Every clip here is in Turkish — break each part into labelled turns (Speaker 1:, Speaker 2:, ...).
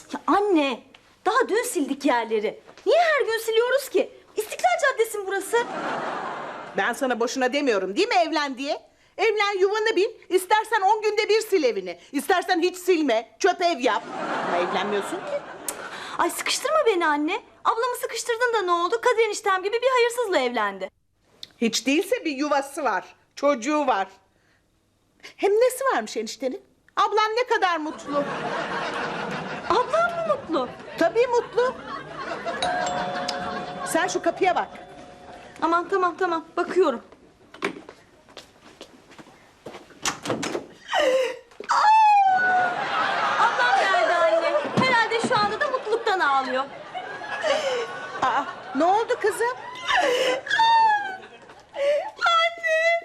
Speaker 1: Ya anne, daha dün sildik yerleri. Niye her gün siliyoruz ki? İstiklal Caddesi mi burası?
Speaker 2: Ben sana boşuna demiyorum değil mi evlen diye? Evlen, yuvanı bil. İstersen 10 günde bir sil evini. İstersen hiç silme. Çöp ev yap. Ama evlenmiyorsun ki.
Speaker 1: Ay sıkıştırma beni anne. Ablamı sıkıştırdın da ne oldu? Kadir eniştem gibi bir hayırsızla evlendi.
Speaker 2: Hiç değilse bir yuvası var. Çocuğu var. Hem nesi varmış eniştenin? Ablan ne kadar mutlu.
Speaker 1: Ablam mı mutlu?
Speaker 2: Tabii mutlu. Sen şu kapıya bak.
Speaker 1: Aman tamam bakıyorum. Ablam nerede anne? Herhalde şu anda da mutluluktan ağlıyor.
Speaker 2: Aa, ne oldu kızım?
Speaker 1: Anne!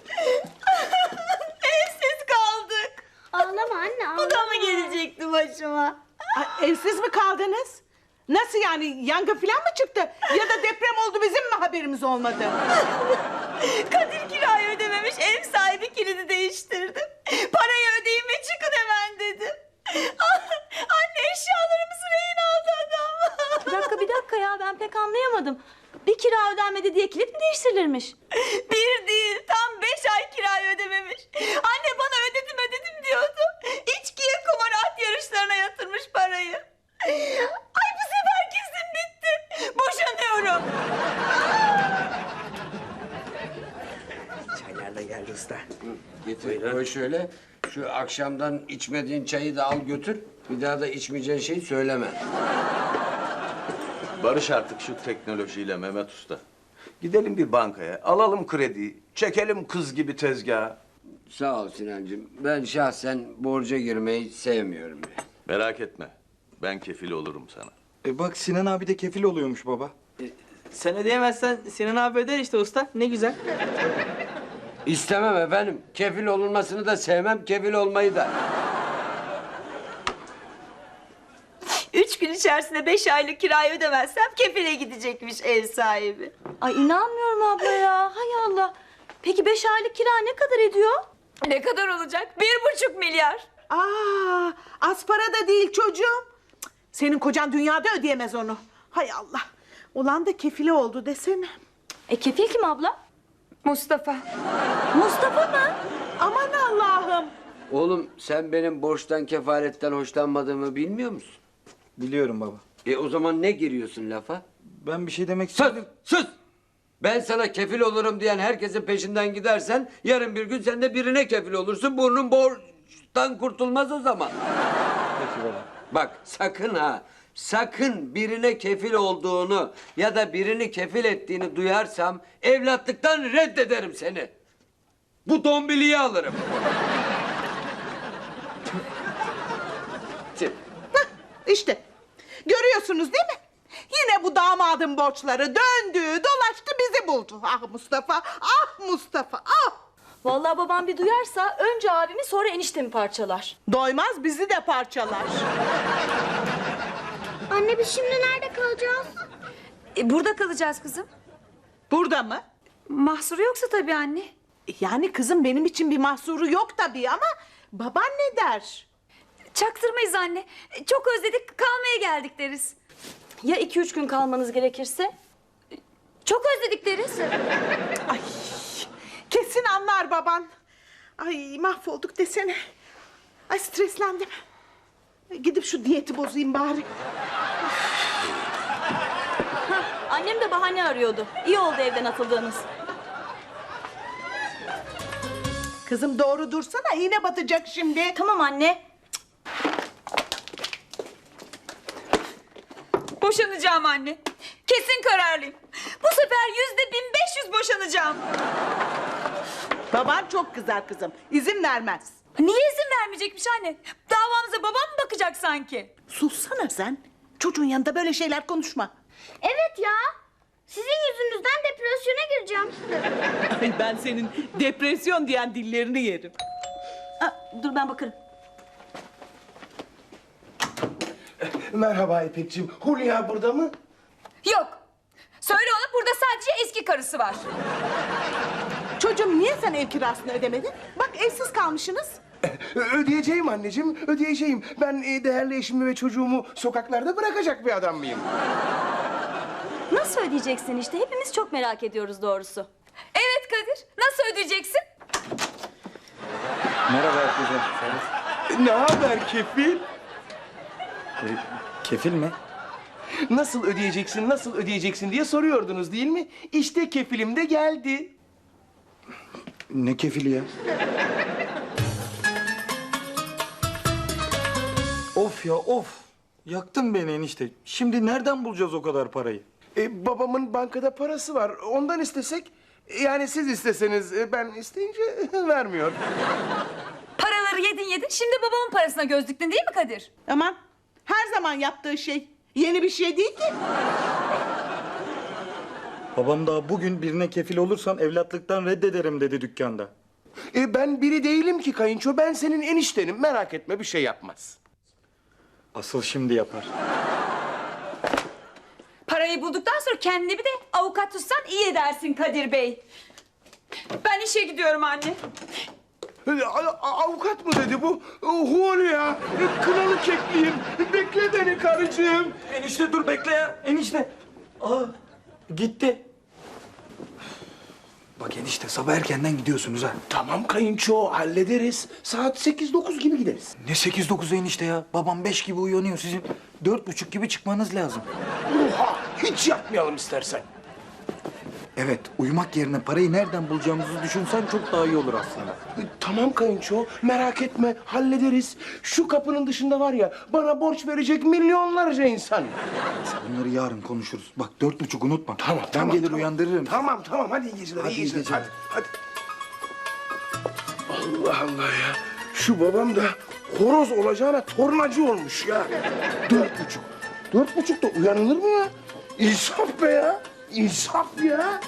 Speaker 1: Evsiz kaldık.
Speaker 3: Ağlama anne, ağlama.
Speaker 1: Bu da mı gelecekti başıma?
Speaker 2: Ay, evsiz mi kaldınız? Nasıl yani? Yangın falan mı çıktı? Ya da deprem oldu, bizim mi haberimiz olmadı?
Speaker 1: Kadir kirayı ödememiş, ev sahibi kilidi değiştirdi. Parayı ödeyin ve çıkın hemen dedi. Anne, eşyalarımızı rehin aldı adam. Bir dakika ya, ben pek anlayamadım. Bir kira ödenmedi diye kilit mi değiştirilirmiş? Bir değil, tam 5 ay kirayı ödememiş. Anne bana ödedim diyordu. İçkiye, kumar, at yarışlarına yatırmış parayı. Ay bu sefer kesin bitti. Boşanıyorum.
Speaker 4: Çaylar da geldi usta.
Speaker 5: Getir koy şöyle. Şu akşamdan içmediğin çayı da al götür. Bir daha da içmeyeceğin şeyi söyleme.
Speaker 6: Barış artık şu teknolojiyle Mehmet Usta. Gidelim bir bankaya, alalım krediyi, çekelim kız gibi tezgaha.
Speaker 5: Sağ ol Sinancığım. Ben şahsen borca girmeyi sevmiyorum.
Speaker 6: Merak etme, ben kefil olurum sana.
Speaker 4: Bak Sinan abi de kefil oluyormuş baba.
Speaker 7: Sen ödeyemezsen Sinan abi öder işte usta. Ne güzel.
Speaker 5: İstemem efendim. Kefil olunmasını da sevmem, kefil olmayı da.
Speaker 1: 3 gün içerisinde 5 aylık kirayı ödemezsem kefile gidecekmiş ev sahibi. Ay inanmıyorum abla ya. Hay Allah. Peki 5 aylık kira ne kadar ediyor? Ne kadar olacak? 1,5 milyar.
Speaker 2: Aa, az para da değil çocuğum. Cık, senin kocan dünyada ödeyemez onu. Hay Allah. Ulan da kefili oldu desene.
Speaker 1: Kefil kim abla?
Speaker 3: Mustafa.
Speaker 1: Mustafa mı?
Speaker 2: Aman Allah'ım.
Speaker 5: Oğlum sen benim borçtan, kefaletten hoşlanmadığımı bilmiyor musun?
Speaker 4: Biliyorum baba.
Speaker 5: O zaman ne giriyorsun lafa?
Speaker 4: Ben bir şey demek
Speaker 5: Sus!
Speaker 4: istedim.
Speaker 5: Sus! Ben sana kefil olurum diyen herkesin peşinden gidersen... ...yarın bir gün sen de birine kefil olursun. Burnun borçtan kurtulmaz o zaman.
Speaker 4: Peki baba.
Speaker 5: Bak sakın ha, sakın birine kefil olduğunu... ...ya da birini kefil ettiğini duyarsam... ...evlatlıktan reddederim seni. Bu dombiliyi alırım.
Speaker 2: Hah, işte. Görüyorsunuz değil mi? Yine bu damadın borçları döndü, dolaştı, bizi buldu. Ah Mustafa, ah Mustafa, ah!
Speaker 1: Vallahi babam bir duyarsa önce abimi sonra eniştemi parçalar.
Speaker 2: Doymaz, bizi de parçalar.
Speaker 3: Anne biz şimdi nerede kalacağız?
Speaker 1: Burada kalacağız kızım.
Speaker 2: Burada mı?
Speaker 1: Mahsuru yoksa tabii anne.
Speaker 2: Yani kızım benim için bir mahsuru yok tabii ama... ...baban ne der?
Speaker 1: Çaktırmayız anne. Çok özledik, kalmaya geldik deriz. Ya 2-3 gün kalmanız gerekirse? Çok özledik deriz.
Speaker 2: Ay, kesin anlar baban. Ay mahvolduk desene. Ay streslendim. Gidip şu diyeti bozayım bari.
Speaker 1: Annem de bahane arıyordu. İyi oldu evden atıldığınız.
Speaker 2: Kızım doğru dursana, iğne batacak şimdi.
Speaker 1: Tamam anne.
Speaker 8: Boşanacağım anne. Kesin kararlıyım. Bu sefer %1500 boşanacağım.
Speaker 2: Baban çok kızar kızım, izin vermez.
Speaker 8: Niye izin vermeyecekmiş anne? Davamıza babam mı bakacak sanki?
Speaker 2: Sussana sen. Çocuğun yanında böyle şeyler konuşma.
Speaker 3: Evet ya. Sizin yüzünüzden depresyona gireceğim.
Speaker 2: Ay ben senin depresyon diyen dillerini yerim.
Speaker 1: Dur ben bakarım.
Speaker 9: Merhaba İpekciğim. Hulya burada mı?
Speaker 8: Yok. Söyle ona burada sadece eski karısı var.
Speaker 2: Çocuğum niye sen ev kirasını ödemedin? Bak evsiz kalmışsınız.
Speaker 9: Ödeyeceğim anneciğim, ödeyeceğim. Ben değerli eşimi ve çocuğumu sokaklarda bırakacak bir adam mıyım?
Speaker 8: Nasıl ödeyeceksin işte? Hepimiz çok merak ediyoruz doğrusu. Evet Kadir. Nasıl ödeyeceksin?
Speaker 4: Merhaba herkese.
Speaker 9: Ne haber kefil?
Speaker 4: Kefil mi?
Speaker 9: Nasıl ödeyeceksin, nasıl ödeyeceksin diye soruyordunuz değil mi? İşte kefilim de geldi.
Speaker 4: Ne kefili ya? Of ya of. Yaktın beni enişte. Şimdi nereden bulacağız o kadar parayı?
Speaker 9: Babamın bankada parası var. Ondan istesek, yani siz isteseniz ben isteyince vermiyor.
Speaker 8: Paraları yedin. Şimdi babamın parasına göz diktin değil mi Kadir?
Speaker 2: Aman her zaman yaptığı şey. Yeni bir şey değil ki.
Speaker 4: Babam daha bugün birine kefil olursan evlatlıktan reddederim dedi dükkanda.
Speaker 9: Ben biri değilim ki kayınço. Ben senin eniştenim. Merak etme, bir şey yapmaz.
Speaker 4: Asıl şimdi yapar.
Speaker 8: Parayı bulduktan sonra kendine bir de avukat tutsan iyi edersin Kadir Bey. Ben işe gidiyorum anne.
Speaker 9: Avukat mı dedi bu? Hulya, kınalı kekliyim. Bekle beni karıcığım.
Speaker 4: Enişte dur bekle ya. Enişte. Aa gitti. Bak enişte sabah erkenden gidiyorsunuz ha.
Speaker 9: Tamam kayınço, hallederiz. Saat 8-9 gibi gideriz.
Speaker 4: Ne 8-9 enişte ya? Babam 5 gibi uyanıyor. Sizin 4.30 gibi çıkmanız lazım.
Speaker 9: Oha, hiç yapmayalım istersen.
Speaker 4: Evet, uyumak yerine parayı nereden bulacağımızı düşünsen çok daha iyi olur aslında.
Speaker 9: Tamam kayınço, merak etme, hallederiz. Şu kapının dışında var ya, bana borç verecek milyonlarca insan.
Speaker 4: Bunları yarın konuşuruz. Bak 4.30 unutma.
Speaker 9: Tamam,
Speaker 4: Ben
Speaker 9: tamam,
Speaker 4: gelir
Speaker 9: tamam.
Speaker 4: uyandırırım.
Speaker 9: Tamam, hadi iyi geceler,
Speaker 4: Hadi
Speaker 9: iyi
Speaker 4: iyi
Speaker 9: geceler.
Speaker 4: geceler.
Speaker 9: Hadi. Allah Allah ya, şu babam da horoz olacağına tornacı olmuş ya. 4.30. 4.30'da uyanılır mı ya? İnsaf be ya, insaf ya.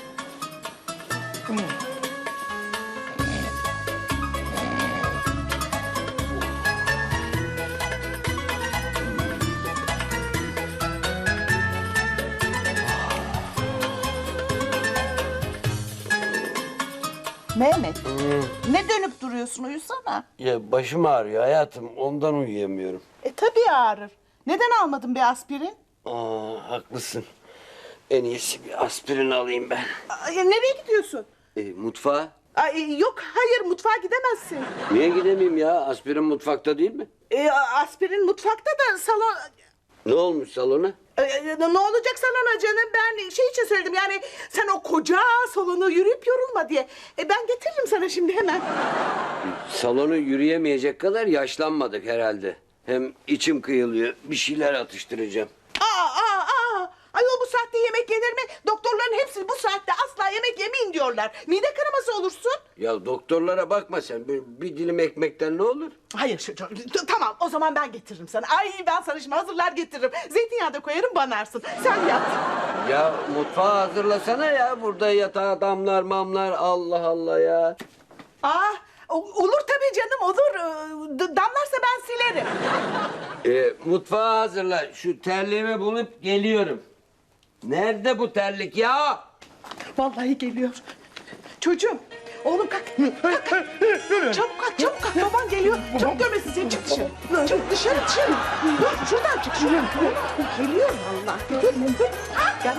Speaker 2: Mehmet, ne dönüp duruyorsun? Uyusana.
Speaker 5: Ya başım ağrıyor hayatım. Ondan uyuyamıyorum.
Speaker 2: Tabii ağrır. Neden almadın bir aspirin?
Speaker 5: Haklısın. En iyisi bir aspirin alayım ben.
Speaker 2: Nereye gidiyorsun?
Speaker 5: Mutfağa?
Speaker 2: Yok, hayır, mutfağa gidemezsin.
Speaker 5: Niye gidemeyeyim ya? Aspirin mutfakta değil mi?
Speaker 2: Aspirin mutfakta da salon...
Speaker 5: Ne olmuş salona?
Speaker 2: Ne olacak salona canım? Ben şey için söyledim, yani sen o koca salonu yürüyüp yorulma diye. Ben getiririm sana şimdi hemen.
Speaker 5: Salonu yürüyemeyecek kadar yaşlanmadık herhalde. Hem içim kıyılıyor. Bir şeyler atıştıracağım.
Speaker 2: Ayol, bu saatte yemek yenir mi? Doktorların hepsi bu saatte asla yemek yemeyin diyorlar. Mide kanaması olursun.
Speaker 5: Ya doktorlara bakma sen. Bir dilim ekmekten ne olur?
Speaker 2: Hayır, tamam, o zaman ben getiririm sana. Ay, ben sana şimdi hazırlar getiririm. Zeytinyağı da koyarım, banarsın. Sen yap.
Speaker 5: Ya mutfağı hazırlasana ya. Burada yatağa damlar mamlar. Allah Allah ya.
Speaker 2: Olur tabii canım, olur. Damlarsa ben silerim.
Speaker 5: Mutfağı hazırla. Şu terliğimi bulup geliyorum. Nerede bu terlik ya?
Speaker 2: Vallahi geliyor. Çocuğum, oğlum kalk. Çabuk kalk. Baban geliyor. Çabuk görmesin seni, çık dışarı. Çık dışarı. Dur, şuradan çık. Geliyor vallahi. Dur. Gel.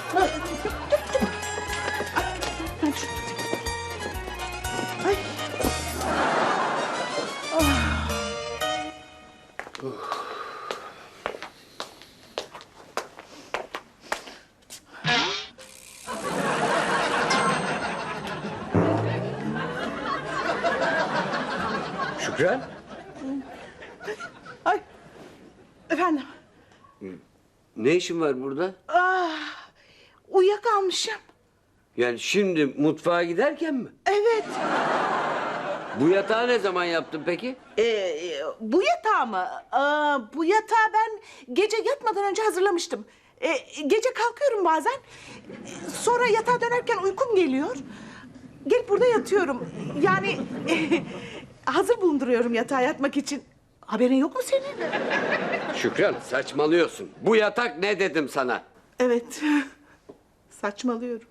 Speaker 2: Ay.
Speaker 5: Şükran.
Speaker 2: Ay. Efendim.
Speaker 5: Ne işin var burada?
Speaker 2: Uyuyakalmışım.
Speaker 5: Yani şimdi mutfağa giderken mi?
Speaker 2: Evet.
Speaker 5: Bu yatağı ne zaman yaptın peki?
Speaker 2: Bu yatağı mı? Bu yatağı ben gece yatmadan önce hazırlamıştım. Gece kalkıyorum bazen. Sonra yatağa dönerken uykum geliyor. Gelip burada yatıyorum. Yani hazır bulunduruyorum yatağa yatmak için. Haberin yok mu senin?
Speaker 5: Şükran saçmalıyorsun. Bu yatak ne dedim sana?
Speaker 2: Evet. Saçmalıyorum.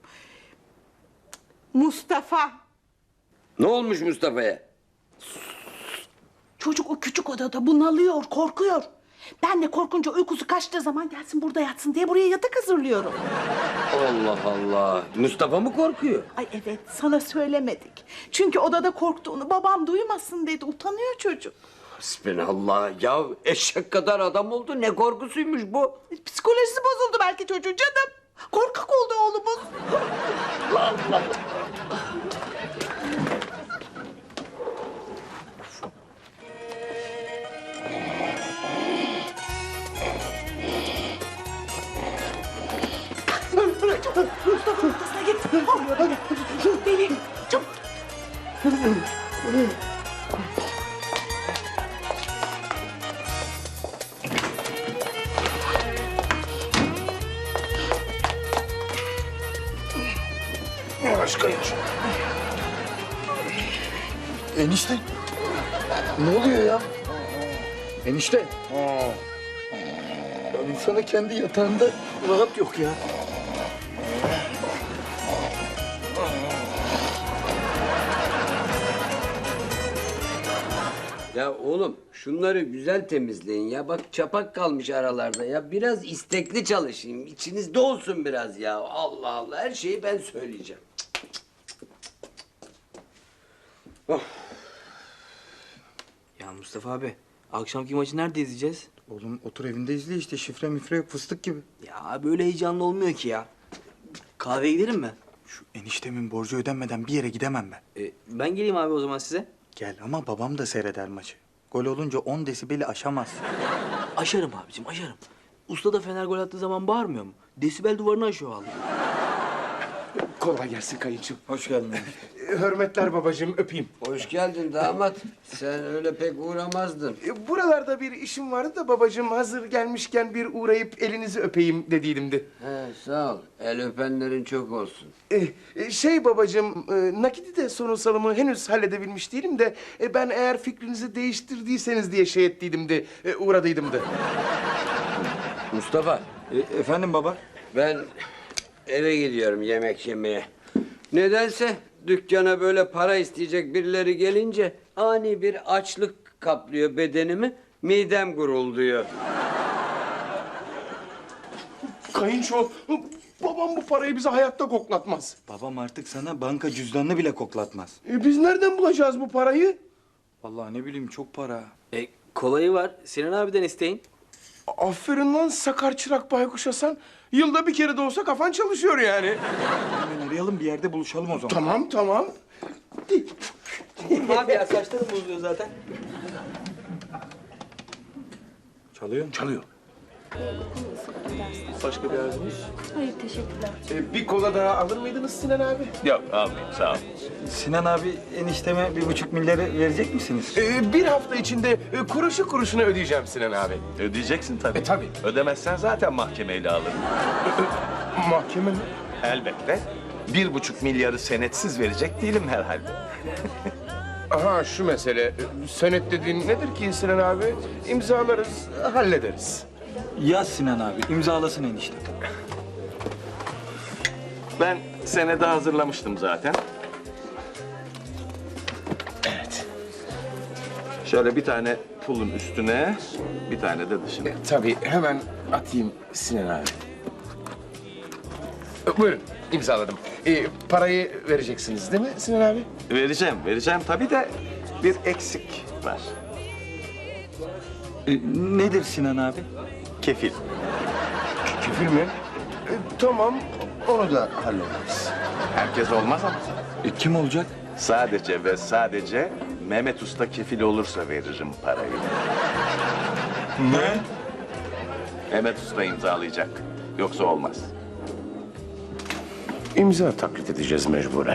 Speaker 2: Mustafa.
Speaker 5: Ne olmuş Mustafa'ya?
Speaker 2: Çocuk o küçük odada bunalıyor, korkuyor. Ben de korkunca uykusu kaçtığı zaman gelsin burada yatsın diye buraya yatak hazırlıyorum.
Speaker 5: Allah Allah. Mustafa mı korkuyor?
Speaker 2: Ay evet, sana söylemedik. Çünkü odada korktuğunu babam duymasın dedi. Utanıyor çocuk.
Speaker 5: Hasbinallah. Ya eşek kadar adam oldu. Ne korkusuymuş bu?
Speaker 2: Psikolojisi bozuldu belki çocuğun canım. Korkak oldu oğlumuz. Mustafa ortasına git. Ne oluyor böyle? Deli. Çabuk.
Speaker 9: Yavaş kayınço.
Speaker 4: Enişte. Ne oluyor ya? Enişte. Ya insana kendi yatağında rahat yok ya.
Speaker 5: Ya oğlum şunları güzel temizleyin ya. Bak çapak kalmış aralarda ya. Biraz istekli çalışayım. İçinizde olsun biraz ya. Allah Allah. Her şeyi ben söyleyeceğim.
Speaker 7: Ya Mustafa abi, akşamki maçı nerede izleyeceğiz?
Speaker 4: Oğlum otur evinde izle işte, şifre mifre yok, fıstık gibi.
Speaker 7: Ya böyle heyecanlı olmuyor ki ya. Kahveye gidelim mi?
Speaker 4: Şu eniştemin borcu ödenmeden bir yere gidemem ben.
Speaker 7: Ben geleyim abi o zaman size.
Speaker 4: Gel ama babam da seyreder maçı. Gol olunca 10 desibeli aşamaz.
Speaker 7: Aşarım abicim, aşarım. Usta da Fener gol attığı zaman bağırmıyor mu? Desibel duvarını aşıyor vallahi.
Speaker 9: Kolay gelsin kayınço.
Speaker 4: Hoş geldin.
Speaker 9: Hürmetler babacığım, öpeyim.
Speaker 5: Hoş geldin damat. Sen öyle pek uğramazdın.
Speaker 9: Buralarda bir işim vardı da babacığım, hazır gelmişken bir uğrayıp elinizi öpeyim dediydimdi.
Speaker 5: He sağ ol. El öpenlerin çok olsun.
Speaker 9: Şey babacığım, nakiti de sorunsalımı henüz halledebilmiş değilim de ben eğer fikrinizi değiştirdiyseniz diye şey ettiydim de uğradıydım da.
Speaker 5: Mustafa
Speaker 4: Efendim baba?
Speaker 5: ben eve gidiyorum yemek yemeye. Nedense dükkana böyle para isteyecek birileri gelince ani bir açlık kaplıyor bedenimi. Midem gurulduyor.
Speaker 9: Kayınço, babam bu parayı bize hayatta koklatmaz.
Speaker 4: Babam artık sana banka cüzdanını bile koklatmaz.
Speaker 9: Biz nereden bulacağız bu parayı?
Speaker 4: Vallahi ne bileyim, çok para.
Speaker 7: Kolayı var. Sinan abiden isteyin.
Speaker 9: Aferin lan sakar çırak baykuş Hasan. Yılda bir kere de olsa kafan çalışıyor yani.
Speaker 4: Hemen arayalım, bir yerde buluşalım o zaman.
Speaker 9: Tamam, tamam.
Speaker 7: Abi ya saçlarım bozuluyor zaten.
Speaker 4: Çalıyor mu?
Speaker 9: Çalıyor.
Speaker 7: Başka bir arzunuz?
Speaker 8: Hayır teşekkürler.
Speaker 9: Bir kola daha alır mıydınız Sinan abi?
Speaker 6: Yok almayayım sağ ol.
Speaker 4: Sinan abi, enişteme 1,5 milyarı verecek misiniz?
Speaker 9: Bir hafta içinde kuruşu kuruşuna ödeyeceğim Sinan abi.
Speaker 6: Ödeyeceksin tabii.
Speaker 9: Tabii.
Speaker 6: Ödemezsen zaten mahkemeyle alırım.
Speaker 9: Mahkeme mi?
Speaker 6: Elbette. 1,5 milyarı senetsiz verecek değilim herhalde.
Speaker 9: Aha şu mesele. Senet dediğin nedir ki Sinan abi? İmzalarız, hallederiz.
Speaker 4: Yaz Sinan abi, imzalasın enişte.
Speaker 6: Ben senede hazırlamıştım zaten.
Speaker 9: Evet.
Speaker 6: Şöyle bir tane pulun üstüne, bir tane de dışına.
Speaker 9: Tabii hemen atayım Sinan abi. Buyurun imzaladım. Parayı vereceksiniz değil mi Sinan abi?
Speaker 6: Vereceğim tabii de bir eksik var.
Speaker 4: Nedir Sinan abi?
Speaker 6: Kefil.
Speaker 9: Kefil mi? Tamam onu da hallederiz.
Speaker 6: Herkes olmaz ama.
Speaker 4: Kim olacak?
Speaker 6: Sadece ve sadece Mehmet Usta kefil olursa veririm parayı.
Speaker 4: Ne?
Speaker 6: Mehmet Usta imzalayacak. Yoksa olmaz.
Speaker 9: İmza taklit edeceğiz mecburen.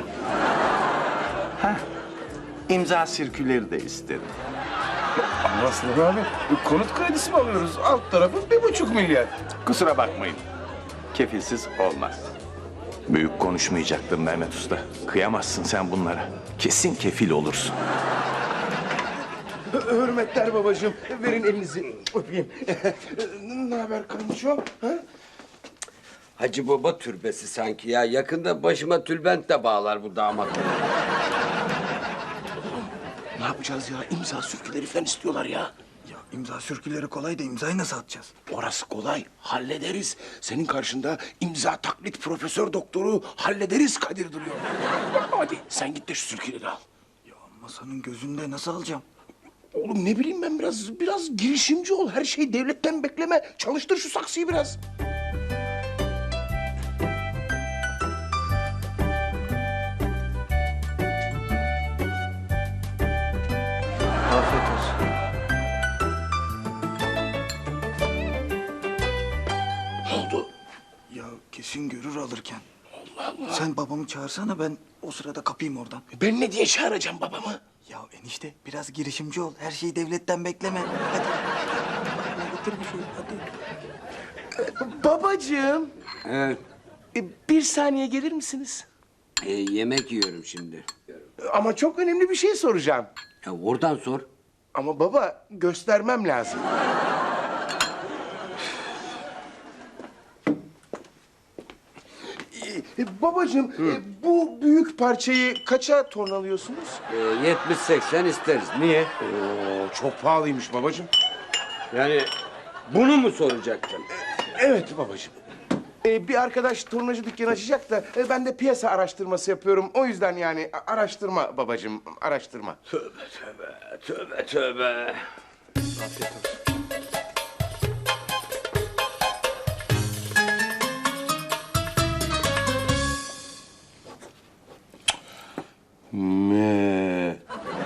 Speaker 6: İmza sirküleri de isterim.
Speaker 9: Ama Sinan abi konut kredisi mi alıyoruz? Alt tarafı 1,5 milyar.
Speaker 6: Kusura bakmayın. Kefilsiz olmaz. Büyük konuşmayacaktın Mehmet Usta. Kıyamazsın sen bunlara. Kesin kefil olursun.
Speaker 9: Hürmetler babacığım. Verin elinizi öpeyim. Ne haber kayınço? Ha?
Speaker 5: Hacı Baba türbesi sanki ya. Yakında başıma tülbent de bağlar bu damat.
Speaker 4: Ne
Speaker 9: yapacağız ya? İmza sürküleri falan istiyorlar ya.
Speaker 4: Ya imza sürküleri kolay da imzayı nasıl atacağız?
Speaker 9: Orası kolay, hallederiz. Senin karşında imza taklit profesör doktoru hallederiz Kadir duruyor. Hadi sen git de şu sürküleri al.
Speaker 4: Ya masanın gözünde nasıl alacağım?
Speaker 9: Oğlum ne bileyim ben biraz girişimci ol. Her şeyi devletten bekleme. Çalıştır şu saksıyı biraz.
Speaker 4: Afiyet olsun.
Speaker 9: Ne oldu?
Speaker 4: Ya kesin görür alırken. Allah Allah. Sen babamı çağırsana, ben o sırada kapayım oradan.
Speaker 9: Ben ne diye çağıracağım babamı?
Speaker 4: Ya enişte biraz girişimci ol. Her şeyi devletten bekleme. Hadi. Bana getir bir şey hadi.
Speaker 9: Babacığım,
Speaker 5: Evet.
Speaker 9: bir saniye gelir misiniz?
Speaker 5: Yemek yiyorum şimdi.
Speaker 9: Ama çok önemli bir şey soracağım.
Speaker 5: Ya oradan sor.
Speaker 9: Ama baba göstermem lazım. Babacığım, bu büyük parçayı kaça tornalıyorsunuz?
Speaker 5: 70-80 isteriz. Niye?
Speaker 9: Oo, çok pahalıymış babacığım.
Speaker 5: Yani bunu mu soracaktın?
Speaker 9: Evet babacığım. Bir arkadaş tornacı dükkanı açacak da ben de piyasa araştırması yapıyorum. O yüzden yani araştırma babacığım, araştırma.
Speaker 5: Tövbe.
Speaker 9: Me.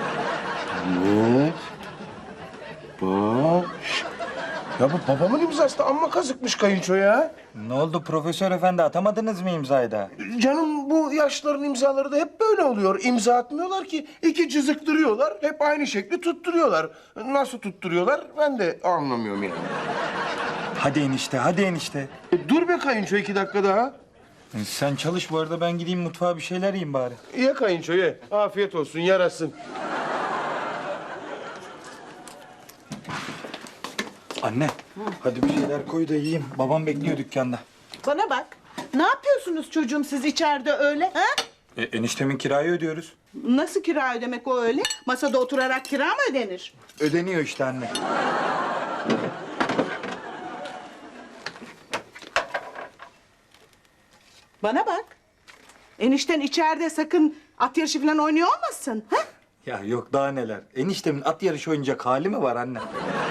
Speaker 9: Baş. Ya bu babamın imzası da amma kazıkmış kayınço ya.
Speaker 4: Ne oldu profesör efendi, atamadınız mı imzayı da?
Speaker 9: Canım bu yaşların imzaları da hep böyle oluyor. İmza atmıyorlar ki. İki çizik duruyorlar. Hep aynı şekli tutturuyorlar. Nasıl tutturuyorlar ben de anlamıyorum yani.
Speaker 4: Hadi enişte, hadi enişte.
Speaker 9: Dur be kayınço 2 dakika daha.
Speaker 4: Sen çalış, bu arada ben gideyim mutfağa bir şeyler yiyeyim bari.
Speaker 9: Ye kayınço ye. Afiyet olsun yarasın.
Speaker 4: Anne, hadi bir şeyler koy da yiyeyim. Babam bekliyor dükkanda.
Speaker 2: Bana bak. Ne yapıyorsunuz çocuğum siz içeride öyle? Ha?
Speaker 4: Eniştemin kirayı ödüyoruz.
Speaker 2: Nasıl kira ödemek o öyle? Masada oturarak kira mı ödenir?
Speaker 4: Ödeniyor işte anne.
Speaker 2: Bana bak. Enişten içeride sakın at yarışı falan oynuyor olmasın. Ha?
Speaker 4: Ya yok daha neler. Eniştemin at yarışı oynayacak hali mi var anne?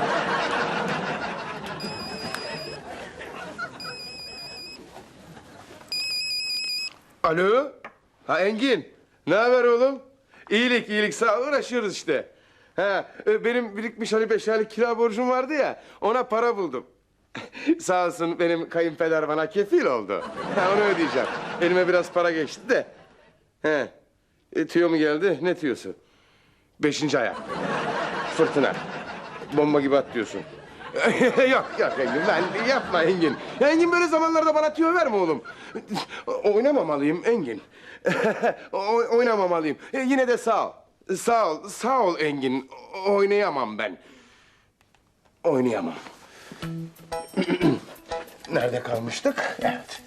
Speaker 9: Alo. Ha Engin. Ne haber oğlum? İyilik sağ ol, uğraşıyoruz işte. Ha benim birikmiş hani 5 aylık kira borcum vardı ya, ona para buldum. Sağ olsun benim kayınpeder bana kefil oldu. Ha onu ödeyeceğim. Elime biraz para geçti de. He. Tüyo mu geldi? Ne tüyosu? 5. ayak. Fırtına. Bomba gibi atlıyorsun. yok Engin, ben yapma Engin. Engin böyle zamanlarda bana tüyo verme oğlum. Oynamamalıyım Engin. Oynamamalıyım. Yine de sağ ol. Sağ ol Engin. Oynayamam ben. Oynayamam. Nerede kalmıştık? Evet.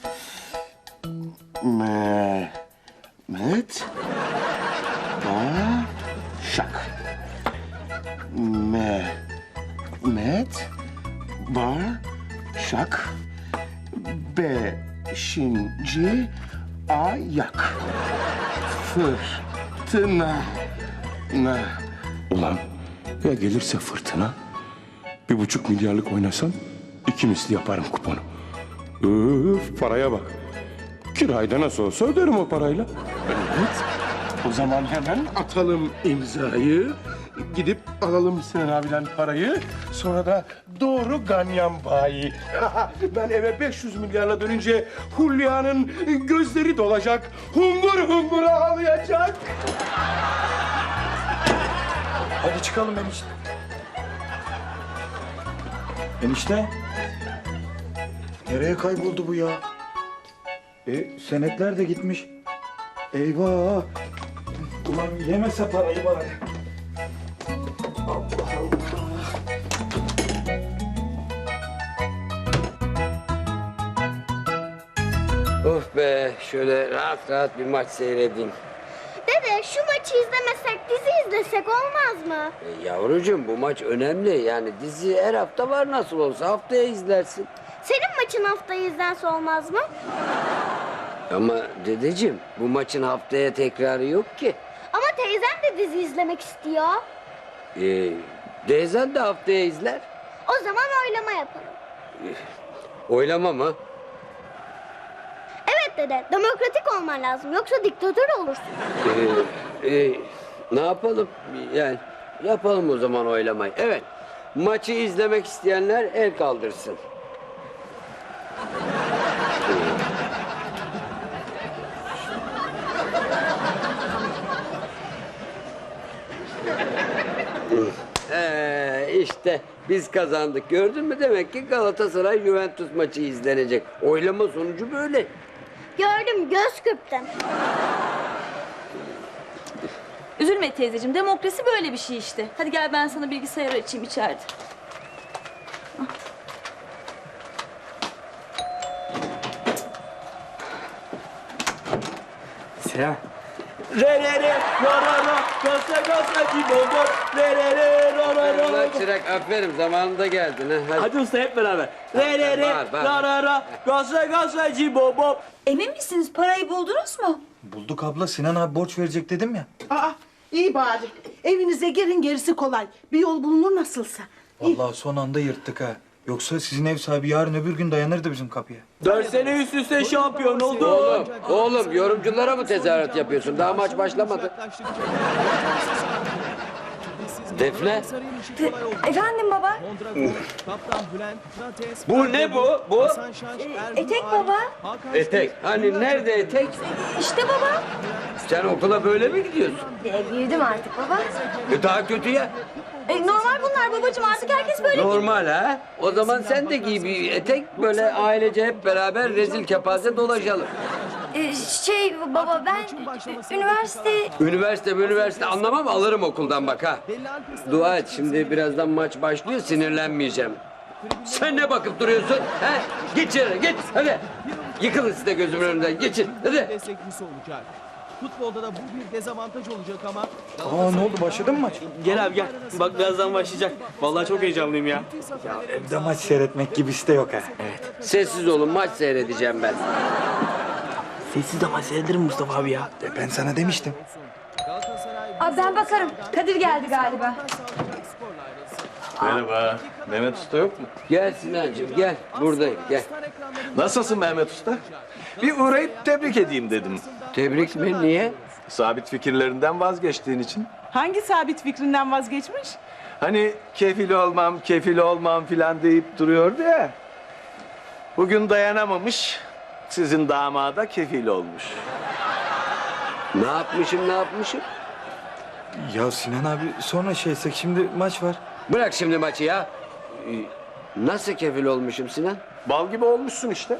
Speaker 9: Mehmet. Başak. Mehmet. Başak. Beşinci ayak. Fırtına. Ulan ya gelirse fırtına? 1,5 milyarlık oynasan 2 misli yaparım kuponu. Öf paraya bak. Kirayı da nasıl olsa öderim o parayla. Evet. O zaman hemen atalım imzayı. Gidip alalım Sinan abiden parayı. Sonra da doğru ganyan bayi. Ben eve 500 milyarla dönünce Hulya'nın gözleri dolacak. Hungur ağlayacak.
Speaker 4: Hadi çıkalım enişte. Enişte. Nereye kayboldu bu ya? Senetler de gitmiş. Eyvah. Ulan yemese parayı bari. Allah Allah.
Speaker 5: Of be, şöyle rahat bir maç seyredeyim.
Speaker 3: Dede Dede şu maçı izlemesek dizi izlesek olmaz mı?
Speaker 5: Yavrucuğum bu maç önemli. Yani dizi her hafta var nasıl olsa haftaya izlersin.
Speaker 3: Senin maçın haftayı izlense olmaz mı?
Speaker 5: Ama dedeciğim bu maçın haftaya tekrarı yok ki.
Speaker 3: Ama teyzem de dizi izlemek istiyor.
Speaker 5: Teyzen de haftaya izler.
Speaker 3: O zaman oylama yapalım.
Speaker 5: Oylama mı?
Speaker 3: Evet dede, demokratik olman lazım. Yoksa diktatör olursun.
Speaker 5: Ne yapalım? Yani yapalım o zaman oylamayı. Evet. Maçı izlemek isteyenler el kaldırsın. İşte biz kazandık. Gördün mü? Demek ki Galatasaray Juventus maçı izlenecek. Oylama sonucu böyle.
Speaker 3: Gördüm, göz kırptım.
Speaker 8: Üzülme teyzeciğim, demokrasi böyle bir şey işte. Hadi gel ben sana bilgisayarı açayım içeride.
Speaker 7: Selam. Re re re ra ra ra gasa gasa cibobop re re re ra ra ra.
Speaker 5: Ulan Çırak aferin zamanında geldin. Ha. Hadi.
Speaker 7: Hadi usta hep beraber. Re re re
Speaker 5: Bağır.
Speaker 7: ra ra ra gasa gasa cibobop.
Speaker 1: Emin misiniz parayı buldunuz mu?
Speaker 4: Bulduk abla, Sinan abi borç verecek dedim ya.
Speaker 2: Aa, iyi bari. Evinize girin, gerisi kolay. Bir yol bulunur nasılsa.
Speaker 4: Vallahi son anda yırttık ha. Yoksa sizin ev sahibi yarın öbür gün dayanırdı bizim kapıya.
Speaker 7: 4 sene üst üste şampiyon oldu.
Speaker 5: Oğlum yorumculara mı tezahürat yapıyorsun? Daha maç başlamadı. Defne.
Speaker 8: Efendim baba?
Speaker 5: Bu ne bu? Bu?
Speaker 8: Etek baba.
Speaker 5: Etek. Hani nerede etek?
Speaker 8: İşte baba.
Speaker 5: Sen okula böyle mi gidiyorsun?
Speaker 8: Büyüdüm artık baba.
Speaker 5: Daha kötü ya.
Speaker 8: Normal bunlar babacığım, artık herkes böyle.
Speaker 5: Normal ha. O zaman sen de giy bir etek, böyle ailece hep beraber rezil kepaze dolaşalım.
Speaker 8: Baba ben
Speaker 5: Üniversite anlamam, alırım okuldan bak ha. Dua et, şimdi birazdan maç başlıyor, sinirlenmeyeceğim. Sen ne bakıp duruyorsun? He? Git içeri, git hadi. Yıkılın siz de gözümün önünden, geçin hadi.
Speaker 10: Desteklisi olacak. Futbolda da bu bir dezavantaj olacak ama
Speaker 4: Aa ne oldu, başladı mı maç?
Speaker 7: Gel abi gel. Bak birazdan başlayacak. Vallahi çok heyecanlıyım ya.
Speaker 4: Evde maç seyretmek gibisi de yok ha.
Speaker 5: Sessiz olun, maç seyredeceğim ben.
Speaker 7: Sessiz de maç seyrederim Mustafa abi ya.
Speaker 4: Ben sana demiştim.
Speaker 8: Abi ben bakarım. Kadir geldi galiba.
Speaker 6: Merhaba. Mehmet Usta yok mu?
Speaker 5: Gel Sinancığım, gel. Buradayım, gel.
Speaker 6: Nasılsın Mehmet Usta? Bir uğrayıp tebrik edeyim dedim.
Speaker 5: Tebrik mi? Niye?
Speaker 6: Sabit fikirlerinden vazgeçtiğin için.
Speaker 2: Hangi sabit fikrinden vazgeçmiş?
Speaker 6: Hani kefil olmam filan deyip duruyordu ya. Bugün dayanamamış, sizin damada kefil olmuş.
Speaker 5: Ne yapmışım?
Speaker 4: Ya Sinan abi sonra şeysek, şimdi maç var.
Speaker 5: Bırak şimdi maçı ya. Nasıl kefil olmuşum Sinan?
Speaker 6: Bal gibi olmuşsun işte.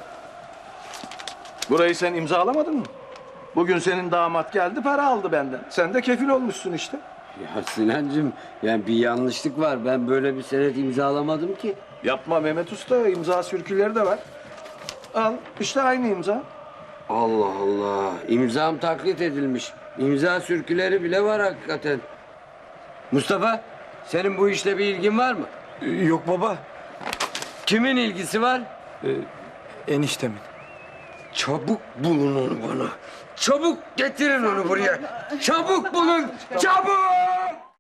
Speaker 6: Burayı sen imzalamadın mı? Bugün senin damat geldi, para aldı benden. Sen de kefil olmuşsun işte.
Speaker 5: Ya Sinancığım, yani bir yanlışlık var. Ben böyle bir senet imzalamadım ki.
Speaker 6: Yapma Mehmet Usta, imza sürküleri de var. Al, işte aynı imza.
Speaker 5: Allah Allah. İmzam taklit edilmiş. İmza sürküleri bile var hakikaten. Mustafa, senin bu işle bir ilgin var mı?
Speaker 4: Yok baba,
Speaker 5: Kimin ilgisi var?
Speaker 4: eniştemin.
Speaker 5: Çabuk bulun onu bana. Çabuk getirin onu buraya. Çabuk bulun. Çabuk!